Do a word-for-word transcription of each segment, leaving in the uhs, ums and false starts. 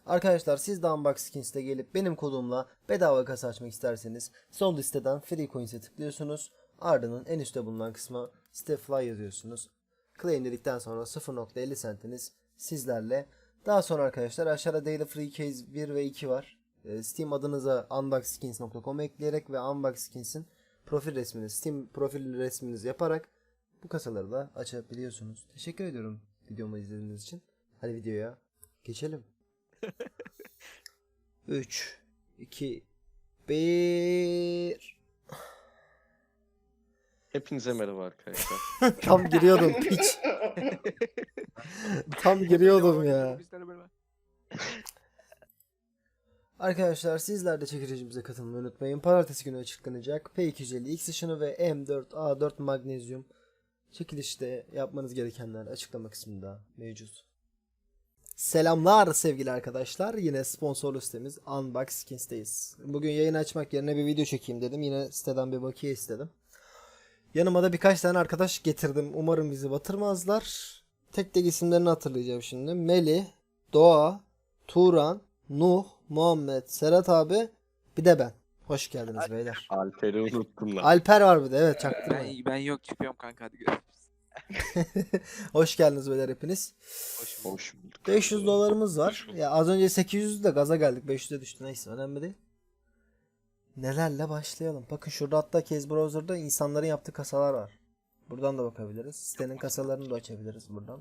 Arkadaşlar siz de Unbox Skins'te gelip benim kodumla bedava kasa açmak isterseniz sol listeden Free Coins'e tıklıyorsunuz. Ardından en üstte bulunan kısma Stefly yazıyorsunuz. Claim dedikten sonra sıfır nokta elli centiniz sizlerle. Daha sonra arkadaşlar aşağıda Daily Free Case bir ve iki var. Steam adınıza unboxskins nokta com ekleyerek ve Unbox Skins'in profil resmini, Steam profil resminizi yaparak bu kasaları da açabiliyorsunuz. Teşekkür ediyorum videomu izlediğiniz için. Hadi videoya geçelim. üç, iki, bir. Hepinize merhaba arkadaşlar. Tam giriyordum piç. Tam giriyordum ya. Arkadaşlar sizler de çekilişimize katılmayı unutmayın. Pazartesi günü açıklanacak P iki yüz elli X ışını ve M dört A dört magnezyum çekilişte yapmanız gerekenler açıklama kısmında mevcut. Selamlar sevgili arkadaşlar. Yine sponsorlu sitemiz Unbox Skins'teyiz. Bugün yayın açmak yerine bir video çekeyim dedim. Yine siteden bir bakiye istedim. Yanıma da birkaç tane arkadaş getirdim. Umarım bizi batırmazlar. Tek tek isimlerini hatırlayacağım şimdi. Melih, Doğa, Turan, Nuh, Muhammed, Serhat abi, bir de ben. Hoş geldiniz beyler. Alper'i unuttum lan. Alper var bir de, evet, çaktırma. Ben, ben yok çıkıyorum kanka, hadi görüşürüz. Hoş geldiniz beyler hepiniz. Hoş bulduk. Hoş bulduk. beş yüz dolarımız var. Hoş bulduk. Ya az önce sekiz yüz de gaza geldik. beş yüze düştü, neyse önemli değil. Nelerle başlayalım. Bakın şurada hatta Case Browser'da insanların yaptığı kasalar var. Buradan da bakabiliriz. Sitenin kasalarını da açabiliriz buradan.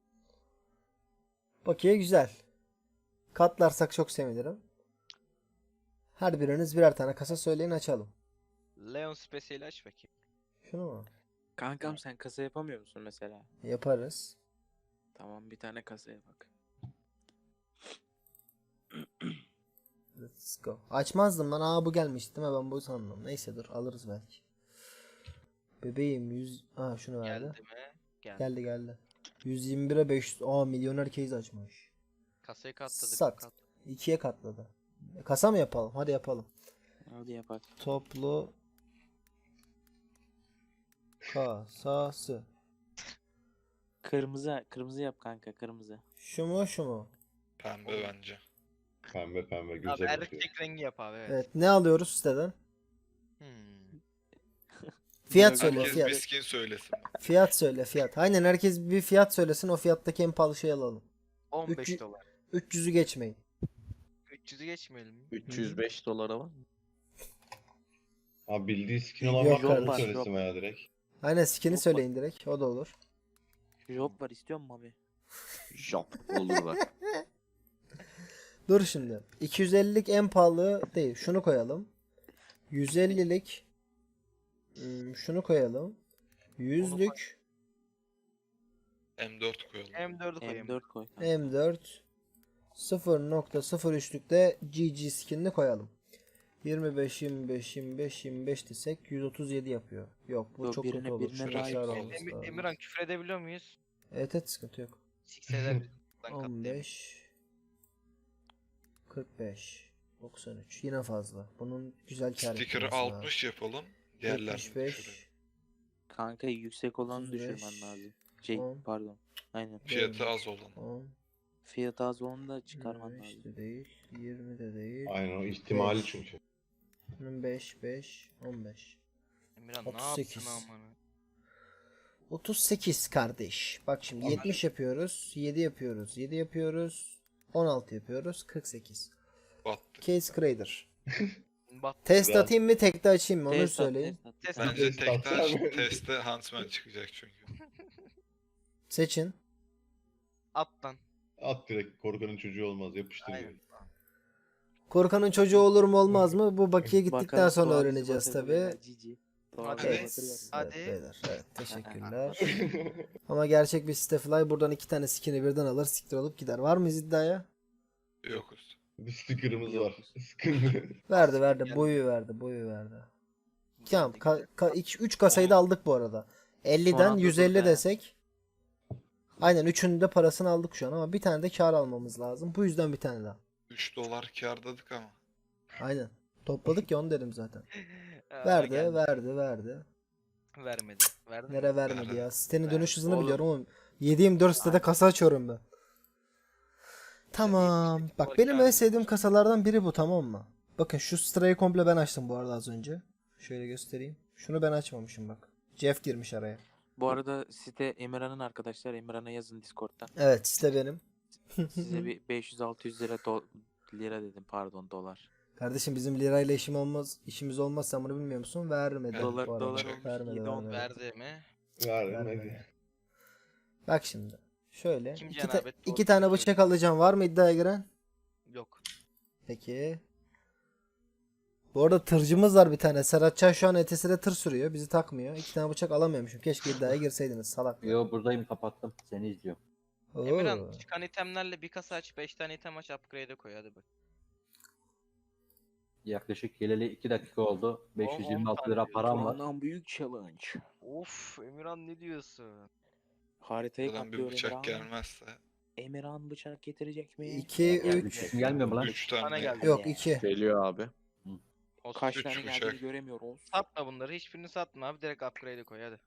Bakiye güzel. Katlarsak çok sevinirim. Her biriniz birer tane kasa söyleyin, açalım. Leon Special'i aç bakayım. Şunu mu? Kankam sen kasa yapamıyor musun mesela? Yaparız. Tamam, bir tane kasaya bak. Let's go. Açmazdım lan. Aa, bu gelmişti değil mi? Ben bu sandım. Neyse dur, alırız belki. Bebeğim yüz... Aa, şunu verdi. Geldi mi? Geldi. Geldi geldi. yüz yirmi bire beş yüz. Aa, milyoner case açmış. Kasayı katladık. Sat. Kat. ikiye katladı. Kasa mı yapalım? Hadi yapalım. Hadi yapak. Toplu kasası. Kırmızı, kırmızı yap kanka, kırmızı. Şu mu şu mu? Pembe bence. Pembe pembe Abi güzel bakıyor. erkek rengi yap abi, evet. Evet, ne alıyoruz siteden? Hmm. Fiyat söyle Herkes fiyat. bir skin söylesin. Fiyat söyle fiyat. Aynen, herkes bir fiyat söylesin, o fiyattaki en pahalı şeyi alalım. on beş Üç- dolar. üç yüzü geçmeyin. üç yüzü geçmeyelim mi? üç yüz beş dolara var mı? Abi bildiği skin olan Yok var mı? Onu kardeşim, söylesin yok. veya direkt. Aynen, skin'i Yok, söyleyin direkt, o da olur. Job var, istiyor musun abi? Jop olur bak. Dur şimdi. iki yüz ellilik en pahalı değil. Şunu koyalım. yüz ellilik hmm, şunu koyalım. yüzlük M dört koyalım. M dördü koyayım. M dört koy kanka. M dört sıfır nokta sıfır üçlükte G G skinini koyalım. yirmi beş yirmi beş yirmi beş yirmi beş desek yüz otuz yedi yapıyor. Yok, bu Yok, çok birine- kötü olur. birine Şurada layık kâr olsun. olması Em- lazım. Emirhan, küfür edebiliyor muyuz? Evet evet, sıkıntı yok. Sikseler biz buradan on katlayalım. beş kırk beş doksan üç, yine fazla. Bunun güzel kâr Sticker'ı etmesi lazım. altmış yapalım. Diğerlerini yetmiş beş düşürelim. Kanka yüksek olanı otuz beş, düşürmen lazım. Şey on. pardon. Aynen. Fiyatı az olan. on, Fiyatı az olanı da çıkarman yirmi beş lazım. de değil, yirmi de değil. Aynen o ihtimali beş. çünkü. beş beş on beş. Emirhan otuz ne sekiz. yaptın amına? otuz sekiz kardeş. Bak şimdi yetmiş yapıyoruz, yedi yapıyoruz, yedi yapıyoruz, on altı yapıyoruz, kırk sekiz. Battı. Case Crader. Bat. Test Biraz- atayım mı, tekte açayım mı, onu Test at, söyleyin. test at. Test Tamam. at. Bence Test tekte atsana. testte Huntsman çıkacak çünkü. Seçin. At lan. At direkt, korkanın çocuğu olmaz, yapıştır Aynen. direkt. Korkanın çocuğu olur mu olmaz mı? Bu bakiye gittikten Bakalım, sonra Doğa bizi öğreneceğiz batırdı tabi. beyler, G G. Doğa Hadi. bizi Evet, batırıyor. Hadi. evet beyler, evet, teşekkürler. Ama gerçek bir Stefly buradan iki tane skin'i birden alır, siktir olup gider. Var mıyız iddiaya? Yokuz. Bir sticker'ımız Yok. var. Sıkıntı. Verdi verdi, boyu verdi, boyu verdi. Tamam, ka- ka- üç kasayı da aldık bu arada. elliden anda yüz elli dur be. desek. Aynen, üçünün de parasını aldık şu an ama bir tane de kar almamız lazım. Bu yüzden bir tane daha. üç dolar kârdadık ama. Aynen. Topladık ya, onu dedim zaten. Aa, Verdi, geldi. verdi, verdi. Vermedi. Verdi mi? Nere vermedi ya. Sitenin dönüş hızını Oğlum. biliyorum ama yedi yirmi dört sitede kasa açıyorum ben. Tamam. Bak benim en sevdiğim kasalardan biri bu, tamam mı? Bakın şu sırayı komple ben açtım bu arada az önce. Şöyle göstereyim. Şunu ben açmamışım bak. Jeff girmiş araya. Bu arada site Emirhan'ın arkadaşlar. Emirhan'a yazın Discord'dan. Evet işte benim. Size bir beş yüz altı yüz lira do- lira dedim pardon dolar. Kardeşim bizim lirayla işim olmaz, işimiz olmaz, sen bunu bilmiyor musun? Vermedi. Dolar- bu arada. dolar olmuş, Vermedi, yedi on vermedi. Verdi mi? Vermedi. Vermedi. Bak şimdi. Şöyle. Kim iki, ta- cenabet? iki Doğru tane söylüyor. bıçak alacağım. Var mı iddiaya giren? Yok. Peki. Bu arada tırcımız var bir tane. Serhatcan şu an E T S'de tır sürüyor. Bizi takmıyor. İki tane bıçak alamıyormuşum. Keşke iddiaya girseydiniz salak. Yo buradayım, kapattım. Seni izliyorum. Oo. Emirhan çıkan itemlerle bir kasa aç, beş tane item aç, upgrade'e koy hadi bak. Yaklaşık geleli iki dakika oldu. beş yüz yirmi altı lira param var. Ondan büyük challenge. Of Emirhan ne diyorsun? Haritayı Buradan bir katlıyor bıçak Emirhan. gelmezse. Emirhan bıçak getirecek mi? iki, Yani üç. üç gelmiyor mu lan? Üç tane tane. geldi. Yok iki. Geliyor abi. Olsun. Kaç Üç tane bıçak. geldiğini göremiyoruz. Satma bunları, hiçbirini satma abi, direkt upgrade'e koy hadi.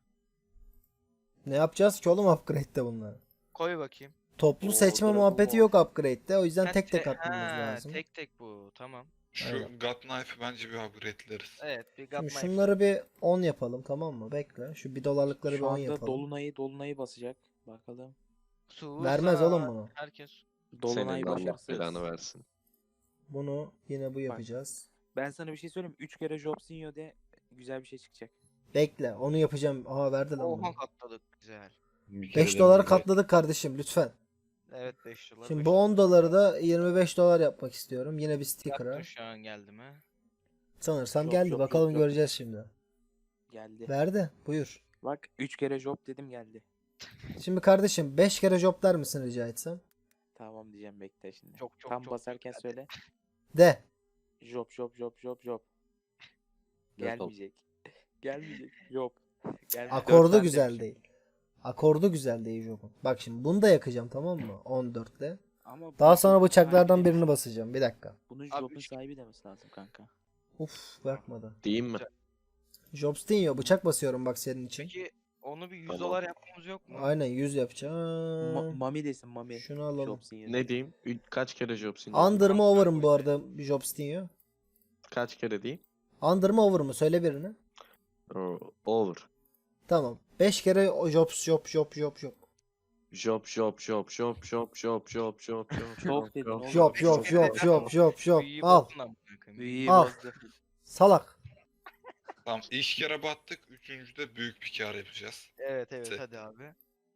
Ne yapacağız ki oğlum upgrade'de bunları? Koy bakayım. Toplu Oo, seçme Dragon muhabbeti Ball. yok upgrade'de. O yüzden Ha, tek tek te- atmamız ha, lazım. Tek tek bu, tamam. Şu Aynen. God Knife'ı bence bir upgrade'leriz. Evet bir Şimdi gatma şunları bir on yapalım, tamam mı? Bekle. Şu bir dolarlıkları bir Şu on anda yapalım. Dolunay'ı Dolunay'ı basacak. Bakalım. Vermez oğlum bunu. Herkes. Dolunay Senin Allah başarısız. belanı versin. Bunu yine bu yapacağız. Ben sana bir şey söyleyeyim. üç kere Jobsinho de güzel bir şey çıkacak. Bekle. Onu yapacağım. Aha verdi lan bunu. Oha katladık, güzel. Bir kere beş de doları böyle- katladık kardeşim lütfen. Evet beş dolar. Şimdi beş bu dolar. on doları da yirmi beş dolar yapmak istiyorum. Yine bir sticker'a. Yaptın şu an geldi mi? Sanırsam Yok, geldi. yok, Bakalım yok, yok. göreceğiz şimdi. Geldi. Verdi. Buyur. Bak üç kere Job dedim geldi. Şimdi kardeşim beş kere job der misin rica etsem? Tamam diyeceğim bekle şimdi. Çok çok Tam çok. basarken hadi. söyle. De. Job job job job job. Dört ol. Gelmeyecek. Gelmeyecek. Job. Gelmeyecek. Akordu Dört güzel demişim. değil. Akordu güzel değil jobun. Bak şimdi bunu da yakacağım, tamam mı? on dörtte. Ama Daha bu sonra Job'un bıçaklardan sahibi birini demesi- basacağım. Bir dakika. Bunun Abi Job'un üç- sahibi demesi lazım kanka. Uf bakmadı. Diyeyim mi? Jobstinho bıçak basıyorum bak senin için. Peki onu bir yüz Tamam. dolar yapmamız yok mu? Aynen yüz Ma- yapacağım. Mami desin Mami. Şunu alalım. Jobsinho. Ne diyeyim? Ü- Kaç kere Jobsin? Under mı over mı bu arada Jobstinho? Kaç kere diyeyim? Under mı over mı? Söyle birini. Oo, Over. Tamam. beş kere o job job job job job. Job job job job job job job job job Çok dedin oğlum. Job job job job job job. Büyüyü Al. bozdun amına koyayım. Büyüyü Al. bozdu. Salak. Tamam ilk kere battık. Üçüncüde büyük bir kar yapacağız. Evet evet Se- hadi abi.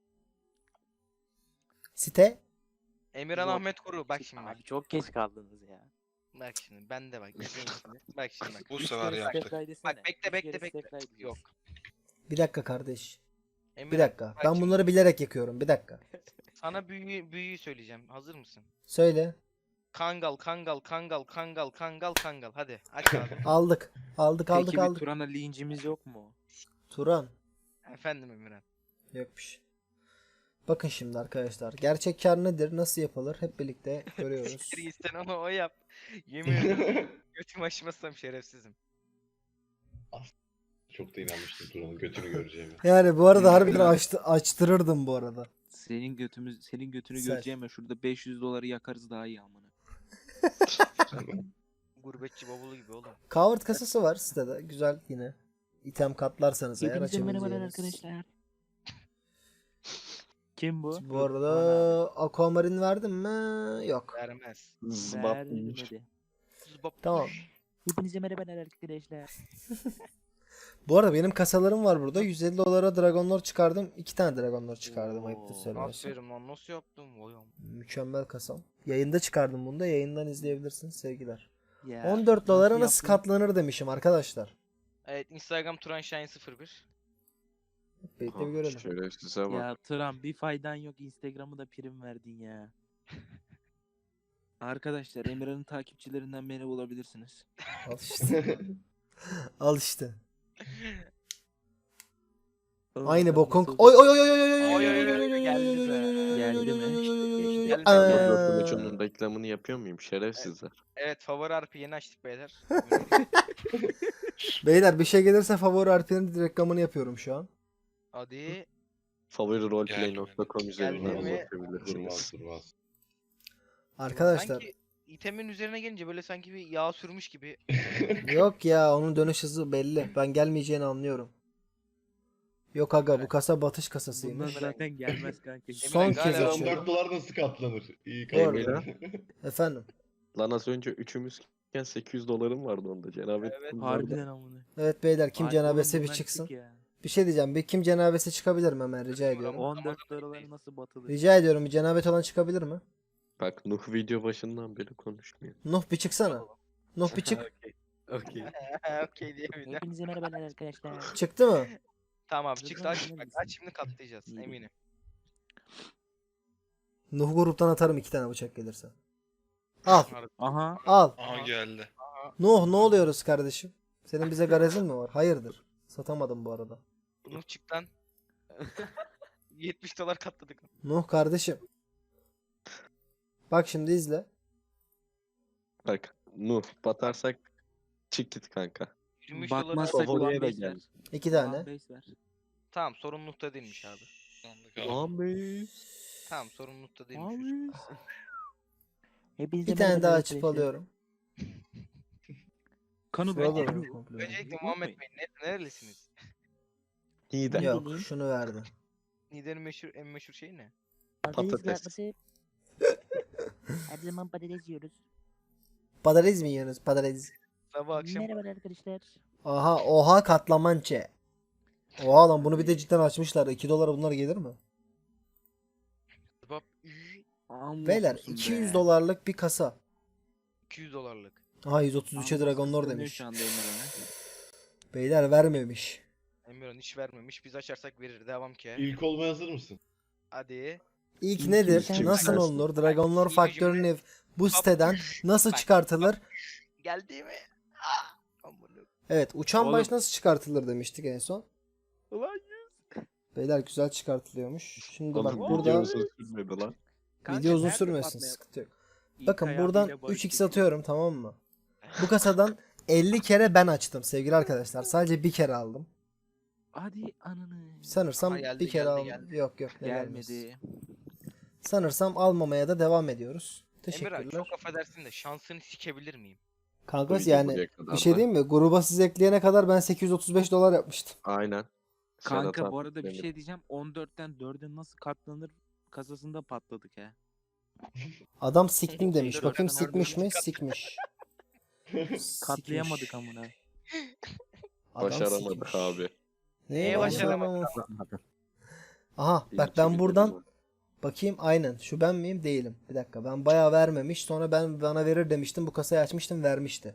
Site. Emirhan Yok. Ahmet Kuru bak şimdi bak. Abi çok geç kaldınız ya. Bak şimdi ben de bak. izleyin şimdi. Bak şimdi bak. Bu Üç sefer kere yaptık. step ride desene. Bak bekle Üç bekle kere bekle. step ride diyorsun. Yok. Bir dakika kardeş. Bir Emirhan, dakika. bak Ben şimdi bunları bilerek yakıyorum. Bir dakika. sana büyüyü, büyüyü söyleyeceğim. Hazır mısın? Söyle. Kangal kangal kangal kangal kangal kangal. Hadi aç abi. Aldık. Aldık aldık Peki bir aldık. Turan'a lincimiz yok mu? Turan. Efendim Emirhan. Yokmuş. Bakın şimdi arkadaşlar. Gerçek kar nedir? Nasıl yapılır? Hep birlikte görüyoruz. Siktir git sen onu o yap. Yemin ederim. Götümü açmazsam şerefsizim. Çok da inanmıştım Turan'ın götünü göreceğimi. Yani bu arada harbiden açtı, açtırırdım bu arada. Senin götümüz senin götünü Sen- göreceğim ya şurada beş yüz doları yakarız daha iyi amına. Gurbetçi bavulu gibi oğlum. Coward kasası var sitede. Güzel yine. İtem katlarsanız eğer Hepinize merhabalar açabileceğiniz. arkadaşlar. Kim bu? Bu arada Aquamarine verdim mi? Yok. Vermez. Zıbap. Vermedi. Zıbap. Tamam. Hepinize merhabalar arkadaşlar. Bu arada benim kasalarım var burada. yüz elli dolara Dragonlord çıkardım. iki tane Dragonlord çıkardım. Ayıptır Oo, söylemesi. Aferin lan nasıl yaptın? Vay am- Mükemmel kasam. Yayında çıkardım bunu da. Yayından izleyebilirsiniz sevgiler. Ya, on dört dolara nasıl nasıl yaptın? katlanır demişim arkadaşlar. Evet Instagram Turanshine sıfır bir. Hep birlikte bir görelim. Şerefsize bak. Ya Turan bir faydan yok Instagram'ı da prim verdin ya. Arkadaşlar Emirhan'ın takipçilerinden beni bulabilirsiniz. Al işte. Al işte. Aynı bokun. Oy oy oy oy oy oy oy Oy, oy oy, oy oy, oy oy geldi oy bize. oy oy oy Geldi oy mi? oy oy oy oy oy. Geldi. Aa. Roblox'un reklamını yapıyor muyum? Şerefsizler. Evet favori harfi yeni açtık beyler. Beyler bir şey gelirse favori harflerinin reklamını yapıyorum şu an. Hadi. favori roleplay nokta com üzerinden Geldi mi? Durmaz ulaşabilirsiniz. durmaz. Arkadaşlar Sanki itemin üzerine gelince böyle sanki bir yağ sürmüş gibi. yok ya, onun dönüş hızı belli. Ben gelmeyeceğini anlıyorum. Yok aga, bu kasa batış Bunlar kasasıymış. zaten gelmez kanka. Son Emirhan, kez galiba on açıyorum. dört dolar nasıl katlanır? İyi Bu arada. katlanır. Efendim. Lan az önce üçümüzken sekiz yüz dolarım vardı onda. Cenabet Evet. bunlarda. Harbiden amına. Evet beyler, kim Ay, cenabesi oğlum bir bundan çıksın. çık ya. Bir şey diyeceğim. Bir kim cenabesi çıkabilir mi hemen, rica ediyorum. on dört dolar nasıl batılır? Rica ediyorum, bir cenabet olan çıkabilir mi? Bak Nuh video başından beri konuşmuyor. Nuh bir çıksana. Nuh bir çık. Okey. Okey diye bir de. Hepinize merhabalar arkadaşlar. Çıktı mı? Tamam abi çıktı, aç, Hızlı bak, mısın? aç şimdi katlayacağız İyi. eminim. Nuh gruptan atarım iki tane bıçak gelirse. Al. Aha. Al. Aha geldi. Nuh ne oluyoruz kardeşim? Senin bize garezin mi var? Hayırdır? Satamadım bu arada. Bunu çık lan. yetmiş dolar katladık. Nuh kardeşim. Bak şimdi izle. Bak Nuh batarsak çık git kanka. yirmi üç dolar. Batmazsak Favoriye ulan de beş gel. ver. İki Ulan tane. beş ver. Tamam, sorumlulukta değilmiş abi. Sandık abi. Lan be. Tamam, sorumlulukta değilmiş. Abi. Hepinize Bir tane daha merhabalar açıp arkadaşlar. alıyorum. Kanu Şurada bence da Kanu. komple. Öncelikle Muhammed Bey ne- nerelisiniz? İyi de. Ne Yok, bileyim. şunu verdi. Niğde'nin meşhur, en meşhur şeyi ne? Patates Patates. kızartması. Her zaman patates yiyoruz. Patates mi yiyorsunuz? Patates. Sabah akşam Merhabalar arkadaşlar. Aha, oha katlamançe. Oha lan, bunu bir de cidden açmışlar. iki dolara bunlar gelir mi? kebap Amma Beyler olsun iki be. yüz dolarlık bir kasa. iki yüz dolarlık. Aha, yüz otuz üçe Amma Dragon Lord kıskanıyor demiş. şu anda Emirhan'ı. Beyler vermemiş. Emirhan hiç vermemiş. Biz açarsak verir. Devam ki. İlk olmaya hazır mısın? Hadi. İlk İlk nedir? kimse- Nasıl kimse- olur? Dragon Lord İyi faktörünü cümle. bu siteden nasıl Bak. çıkartılır? Geldi mi? Ah! Amına. Evet, uçan Oğlum. baş nasıl çıkartılır demiştik en son. Ulan Beyler güzel çıkartılıyormuş. Şimdi bak Oğlum burada video uzun sürmedi lan. Kanka, video uzun nerede sürmesin, patlayan? sıkıntı yok. İlk Bakın ayağıyla buradan barış üç x çekiyor. atıyorum, tamam mı? Bu kasadan elli kere ben açtım sevgili arkadaşlar. Sadece bir kere aldım. Hadi ananı. Sanırsam Aha, geldi, bir kere geldi, aldım. geldi. Yok yok, ne gelmesi. Gelmedi. Sanırsam almamaya da devam ediyoruz. Emirhan Teşekkürler. çok affedersin de şansını sikebilir miyim? Kanka Bu yani videoya kadar bir şey da. diyeyim mi? Gruba siz ekleyene kadar ben sekiz yüz otuz beş dolar yapmıştım. Aynen. Kanka Serhat bu abi arada bir benim. şey diyeceğim. on dörtten dörde nasıl katlanır kasasında patladık ha. Adam siktim demiş. Dört Bakayım tane sikmiş mi? orada Sikmiş. Katlayamadık Sikmiş. amına. Adam Başaramadık sikmiş. abi. Neye Neye başaramamış? başaramadık? Aha Bir bak iki ben video buradan var. bakayım, aynen şu ben miyim, değilim. Bir dakika, ben bayağı vermemiş, sonra ben bana verir demiştim, bu kasayı açmıştım, vermişti.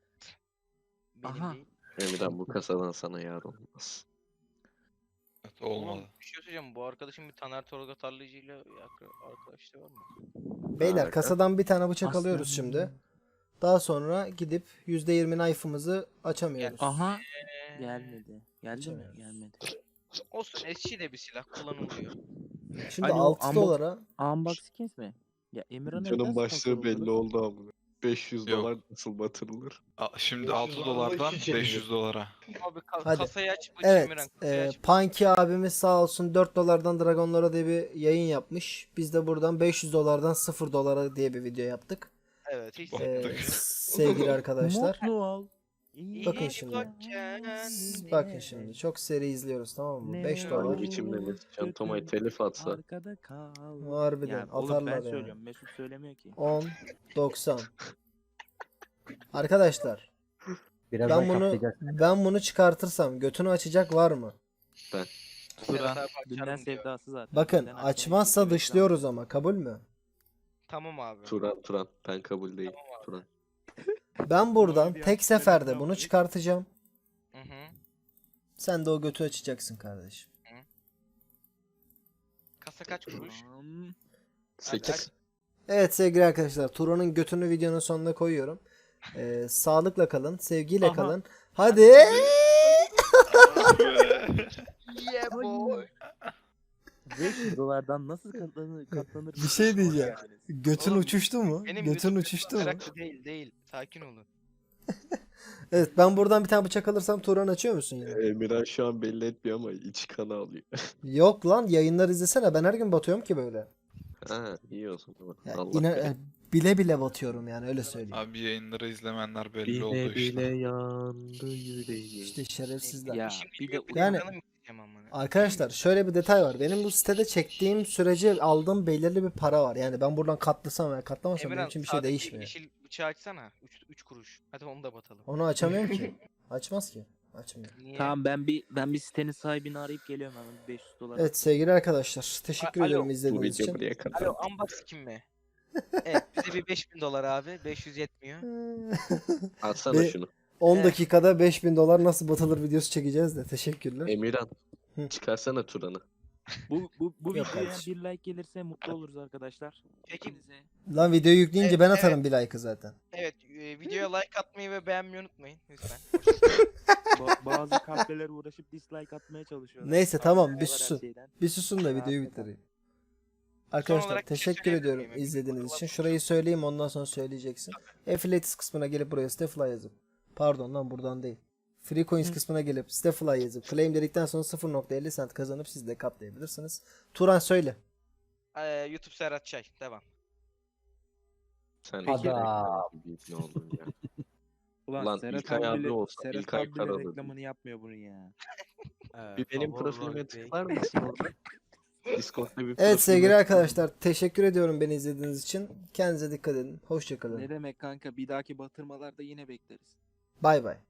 Benim Aha. değil. Emirhan bu kasadan sana yar olmaz. Evet, Oğlum olmadı. bir şey söyleyeceğim. Bu arkadaşım bir Taner Tolga Tarlayıcı ile arkadaşlığı var mı? Beyler Harika. kasadan bir tane bıçak Aslan. alıyoruz şimdi. Daha sonra gidip yüzde yirmi knife'ımızı açamıyoruz. Aha. Ee, Gelmedi. Geldi mi? Açamıyoruz. Gelmedi. Olsun, eski de bir silah kullanılıyor. Şimdi Alo, altı ambo- dolara Unbox skins mi? Ya Emirhan'a Videonun nasıl başlığı kontrol belli olur? oldu abi. beş yüz Yok. dolar nasıl batırılır? A- Şimdi Yok, altı şu dolardan anda iki beş yüz dolara. Abi ka- Hadi. kasayı aç. bu evet, Emirhan, kasayı e, aç. Punky abimiz sağ olsun dört dolardan Dragonlara diye bir yayın yapmış. Biz de buradan beş yüz dolardan sıfır dolara diye bir video yaptık. Evet, hiç Bak. E, Yaptık. sevgili arkadaşlar. Mutlu ol. İyi Bakın İyi şimdi. bak kendine. Bakın şimdi çok seri izliyoruz, tamam mı? beş Ne dolar. Hangi biçimde Mesut Can Tomay telif atsa. Arkada kal. Harbiden Ya oğlum atarlar ben yani. söylüyorum. Mesut söylemiyor ki. on doksan. Arkadaşlar Birazdan ben bunu katlayacak. ben bunu çıkartırsam götünü açacak var mı? Serhat Turan. abi Dünden açarım diyor. sevdası zaten. Bakın Dünden açmayı açmazsa bekliyor dışlıyoruz ama, kabul mü? Tamam abi. Turan Turan ben kabul değil. Tamam abi. Turan. Ben buradan bir tek açık seferde reklam bunu var. çıkartacağım. Hı hı. Sen de o götü açacaksın kardeşim. Kasa kaç kuruş? Tamam. sekiz. Evet sevgili arkadaşlar, Turan'ın götünü videonun sonuna koyuyorum. Ee, sağlıkla kalın, sevgiyle Aha. kalın. Hadi. Yeah boy. beş yüz dolardan nasıl katlanır? katlanır Bir şey diyeceğim. Yani. Götün Oğlum, uçuştu mu? Benim Götün götüm uçuştu mu? meraklı değil değil. Sakin olun. Evet, ben buradan bir tane bıçak alırsam Turan açıyor musun yine? Emirhan şu an belli etmiyor ama iç kanı alıyor. Yok lan, yayınlar izlesene, ben her gün batıyorum ki böyle. Ha iyi o zaman. Ya Allah ina- bilir. e, bile bile batıyorum yani öyle söyleyeyim. Abi yayınları izlemenler belli Bile oldu bile işte. yandı yüreğim. İşte şerefsizler. Ya Şimdi bir de Yani- yani amına. Arkadaşlar şöyle bir detay var. Benim bu sitede çektiğim sürece aldığım belirli bir para var. Yani ben buradan katlasam veya katlamasam benim Emirhan için bir şey sağdaki değişmiyor. yeşil bıçağı açsana. üç kuruş. Hadi onu da batalım. Onu açamıyorum ki. Açmaz ki. Açmıyor. Niye? Tamam ben bir ben bir sitenin sahibini arayıp geliyorum hemen beş yüz dolar. Evet sevgili arkadaşlar. Teşekkür A- ediyorum alo. Bu izlediğiniz video için. buraya kadar. Alo unbox kim mi? Evet bize bir beş bin dolar abi. beş yüz yetmiyor. Atsana Ve- şunu. on Evet. dakikada beş bin dolar nasıl batılır videosu çekeceğiz de. Teşekkürler. Emirhan. Hı. Çıkarsana Turan'ı. Bu bu bu Yok videoya kardeşim. bir like gelirse mutlu oluruz arkadaşlar. Peki Hepinize Lan videoyu yükleyince Evet, ben atarım bir like'ı zaten. evet e, videoya like atmayı ve beğenmeyi unutmayın lütfen. ba- bazı kahveler uğraşıp dislike atmaya çalışıyorlar. Neyse tamam bir Var her susun. şeyden. Bir susun da videoyu bitireyim. Arkadaşlar olarak bir şey teşekkür söyleyebilir ediyorum miyim? izlediğiniz Bakalım. için. Şurayı söyleyeyim ondan sonra söyleyeceksin. Affiliates kısmına gelip buraya Stefly yazıp. Pardon lan buradan değil. Free Coins kısmına gelip Stefly yazıp claim dedikten sonra sıfır nokta elli cent kazanıp siz de katlayabilirsiniz. Turan söyle. Ee, YouTube Serhat Çay. Devam. Sen Adam. iki reklam gibi ne oldun ya. Ulan, Ulan Serhat İlkay abi abi bile, olsa, Serhat İlkay abi bile Karalı. reklamını yapmıyor bunun ya. Bir benim profilime tıklar mısın orada? Discord'da bir Evet profilime sevgili tıklar. arkadaşlar teşekkür ediyorum beni izlediğiniz için. Kendinize dikkat edin. Hoşçakalın. Ne demek kanka bir dahaki batırmalarda yine bekleriz. Bay bay.